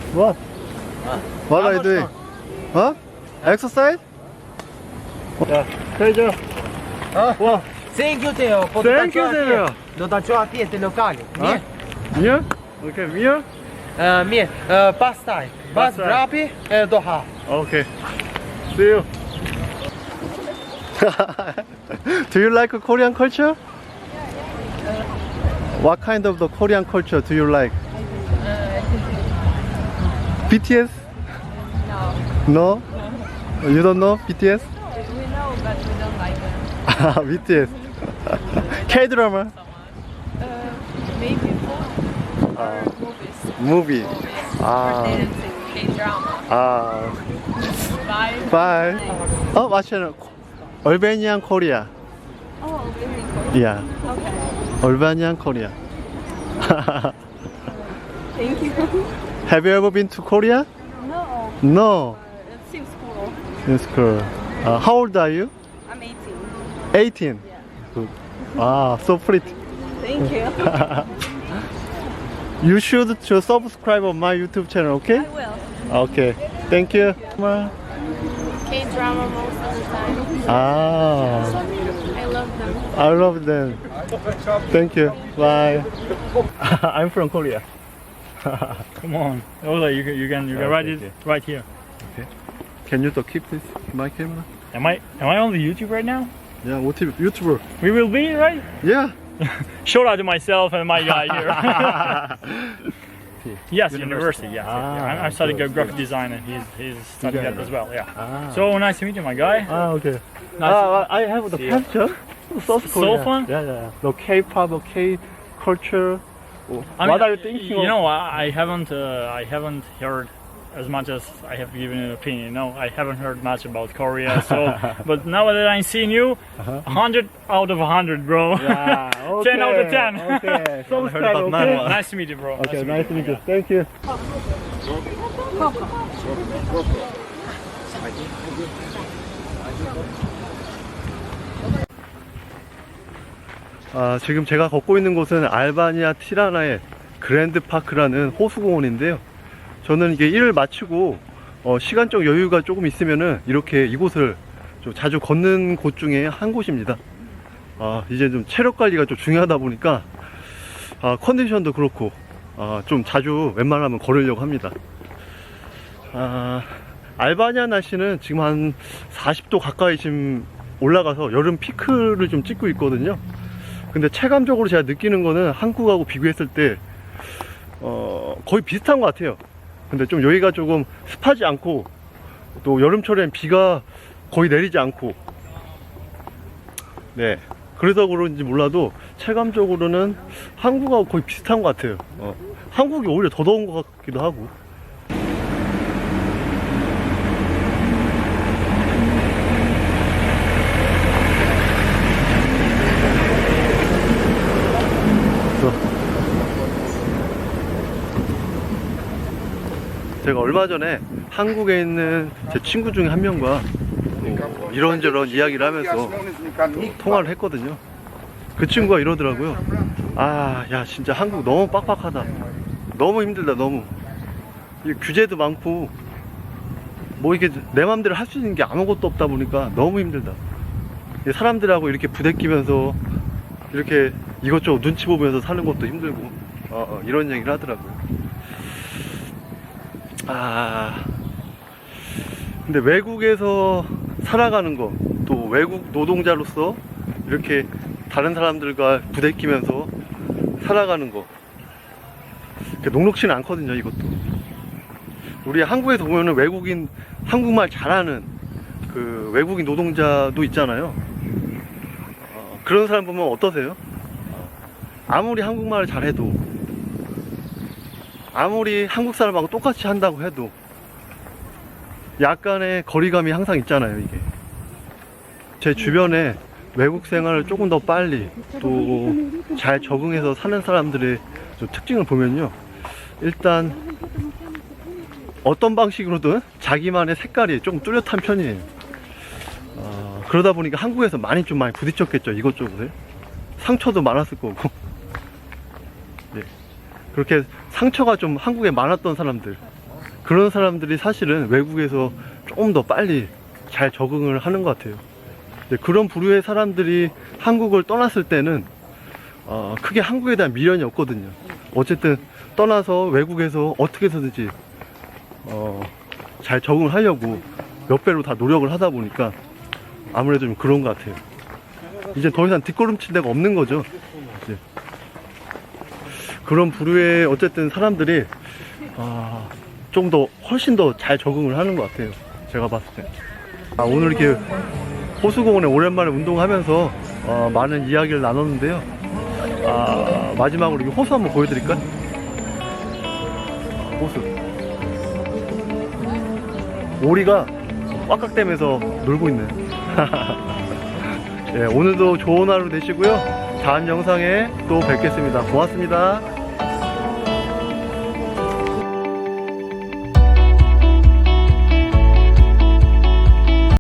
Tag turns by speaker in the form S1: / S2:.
S1: What? What are you doing? Huh? Exercise? Yeah. Pleasure. Wow.
S2: Thank you, Teo.
S1: Thank you, Teo.
S2: Do taču atjeti lokali.
S1: Huh? Here? Okay, here?
S2: Mirë, pastaj, bas
S1: Pastaj.
S2: vrapi e do ha.
S1: Okay. See you. Do you like Korean culture? What kind of the Korean culture do you like? BTS? No. No? You don't know BTS?
S3: We know, but we don't like them.
S1: BTS. K-drama?
S3: Maybe movies.
S1: Movie.
S3: Or
S1: Ah.
S3: dancing, K-drama.
S1: Ah.
S3: Bye.
S1: Bye. Oh, watch it. Albanian Korea.
S3: Oh, really cool.
S1: Yeah.
S3: Okay.
S1: Albanian Korea.
S3: Thank you.
S1: Have you ever been to Korea?
S3: No,
S1: No.
S3: it seems cool.
S1: It's cool. How old are you?
S3: I'm 18.
S1: 18.
S3: Yeah.
S1: Good. Ah, so pretty.
S3: Thank you.
S1: You should to subscribe on my YouTube channel, okay?
S3: I will.
S1: Okay. Thank you.
S3: K-drama most of the time.
S1: Ah,
S3: I love them.
S1: I love them. Thank you. Bye. I'm from Korea.
S4: Come on. Oh, like you can
S1: Okay,
S4: write it
S1: okay.
S4: right here.
S1: Can you keep this my camera?
S4: Am I on the YouTube right now?
S1: Yeah, what YouTuber?
S4: We will be, right?
S1: Yeah.
S4: Shout out to myself and my guy here. Yes, university. Yes,
S1: Ah,
S4: I'm studying
S1: good,
S4: graphic design, and he's studying that as well. Yeah.
S1: Ah.
S4: So nice to meet you, my guy.
S1: Ah, okay.
S4: Nice.
S1: I have the
S4: See you.
S1: passion. South
S4: So
S1: Korea.
S4: fun?
S1: Yeah. The K-pop, the K-culture.
S4: I
S1: What
S4: mean,
S1: are you thinking
S4: You
S1: of?
S4: know, I haven't heard as much as I have given an opinion. You know, I haven't heard much about Korea. So, but now that I'm seeing you, 100 out of 100, bro.
S1: Yeah,
S4: 10 out of 10.
S1: Okay. Subscribe,
S4: Okay,
S1: okay?
S4: nice to meet you, bro.
S1: Okay, nice to meet you. Thank you. 지금 제가 걷고 있는 곳은 알바니아 티라나의 그랜드 파크라는 호수공원인데요. 저는 이게 일을 마치고 시간적 여유가 조금 있으면은 이렇게 이곳을 좀 자주 걷는 곳 중에 한 곳입니다. 이제 좀 체력 관리가 좀 중요하다 보니까 컨디션도 그렇고 좀 자주 웬만하면 걸으려고 합니다. 알바니아 날씨는 지금 한 40도 가까이 지금 올라가서 여름 피크를 좀 찍고 있거든요. 근데 체감적으로 제가 느끼는 거는 한국하고 비교했을 때 거의 비슷한 것 같아요. 근데 좀 여기가 조금 습하지 않고 또 여름철엔 비가 거의 내리지 않고, 네, 그래서 그런지 몰라도 체감적으로는 한국하고 거의 비슷한 것 같아요. 한국이 오히려 더 더운 것 같기도 하고. 제가 얼마 전에 한국에 있는 제 친구 중에 한 명과 이런저런 이야기를 하면서 통화를 했거든요. 그 친구가 이러더라고요. 야, 진짜 한국 너무 빡빡하다. 너무 힘들다, 너무. 이 규제도 많고, 뭐 이게 내 맘대로 할 수 있는 게 아무것도 없다 보니까 너무 힘들다. 사람들하고 이렇게 부대끼면서 이렇게 이것저것 눈치 보면서 사는 것도 힘들고, 이런 얘기를 하더라고요. 근데 외국에서 살아가는 거, 또 외국 노동자로서 이렇게 다른 사람들과 부대끼면서 살아가는 거, 녹록치는 않거든요, 이것도. 우리 한국에서 보면은 외국인, 한국말 잘하는 그 외국인 노동자도 있잖아요. 그런 사람 보면 어떠세요? 아무리 한국말을 잘해도, 아무리 한국 사람하고 똑같이 한다고 해도 약간의 거리감이 항상 있잖아요, 이게. 제 주변에 외국 생활을 조금 더 빨리 또 잘 적응해서 사는 사람들의 좀 특징을 보면요, 일단 어떤 방식으로든 자기만의 색깔이 조금 뚜렷한 편이에요. 그러다 보니까 한국에서 많이 부딪혔겠죠, 이것저것에. 상처도 많았을 거고. 네. 그렇게 상처가 좀 한국에 많았던 사람들, 그런 사람들이 사실은 외국에서 좀 더 빨리 잘 적응을 하는 것 같아요. 근데 그런 부류의 사람들이 한국을 떠났을 때는 크게 한국에 대한 미련이 없거든요. 어쨌든 떠나서 외국에서 어떻게 해서든지 잘 적응을 하려고 몇 배로 다 노력을 하다 보니까 아무래도 좀 그런 것 같아요. 이제 더 이상 뒷걸음칠 데가 없는 거죠. 이제 그런 부류의 어쨌든 사람들이 좀 더 훨씬 더 잘 적응을 하는 것 같아요. 제가 봤을 때. 오늘 이렇게 호수공원에 오랜만에 운동하면서 많은 이야기를 나눴는데요. 마지막으로 이 호수 한번 보여드릴까? 호수. 오리가 꽉꽉대면서 놀고 있네. 네, 오늘도 좋은 하루 되시고요. 다음 영상에 또 뵙겠습니다. 고맙습니다.